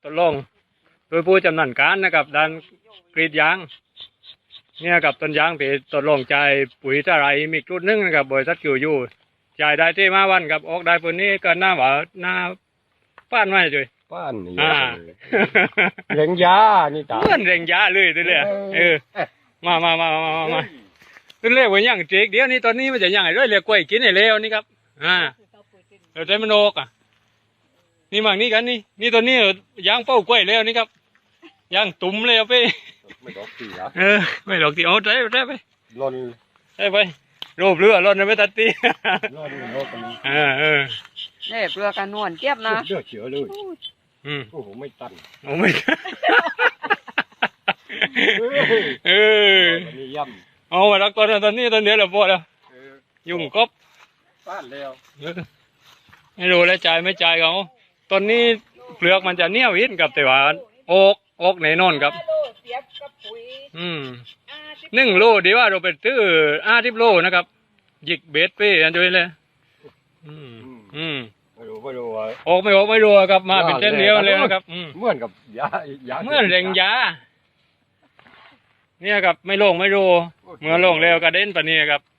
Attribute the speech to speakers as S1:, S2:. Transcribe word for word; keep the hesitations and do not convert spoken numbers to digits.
S1: ทดลองโดยผู้จำนาญการนะครับด้านกรีดยางเนี่ยกับต้นยางที่ทดลองใจปุ๋ยตะไรมีจุดนึงนะครับบริษัทคิวยูจ่ายได้ที่มาวันกับออกได้ปุ่นนี้ก็หน้าหวาหน้าป้านไม่จุย
S2: ป้านนี่
S1: อ่า
S2: เร่งยานี่ตา
S1: เพื่อนเร่งยาเลยตัวเลยเออมามามามามามาตัวเรียกว่าอย่างเจ๊กเดี๋ยวนี้ตอนนี้มันจะอย่างไรด้วยเรียกกล้วยกินไอ้เลวนี่ครับอ่าเราใจมันโอกอ่ะนี่มั่งนี่กันนี่นี่ตัวนี้ยางเป้ากล้วยเลวนี่ครับยางตุ่มเลยเอาไป
S2: ไม่ดอกตีอ่ะ
S1: เออไม่ดอกตีเอาใจใจไป
S2: ล่น
S1: ใจไปรูปเรือล่นไปตัดตี
S2: ล่นโลกัน
S1: เออเออ
S3: เนี่ยเปลือกกันนวลเจี๊ยบนะ
S2: เลือดเฉือเลย
S1: อืม
S2: โอ้โหไม่ตัน
S1: โอ้ไม่เออ
S2: นี่ย่
S1: ำเอามารักตอนตอนนี้ตอนเดียวเราพอแล้วยุ่งกบ
S2: ป้านแล้ว
S1: ไม่รู้แล้วจ่ายไม่จ่ายเขาตอนนี้เปลือกมันจะเนี้ยวินกับแต่ว่าโอกโอกในนอนครับอืมหนึ่งโลดีว่าเราไปซื้ออาทิบโลนะครับหยิกเบสไปอันด้วยเลยอืมอืม
S2: ไม่รู้ไม่รู้ว่า
S1: ออกไม่ออกไม่รู้ครับมาเป็นเส้นเดียวเลยนะครับ
S2: เหมือนกับยายา
S1: เหมือนเร่งยาเนี่ยครับไม่ลงไม่รู้เมื่อลงเร็วกระเด็นปะเนี่ยครับ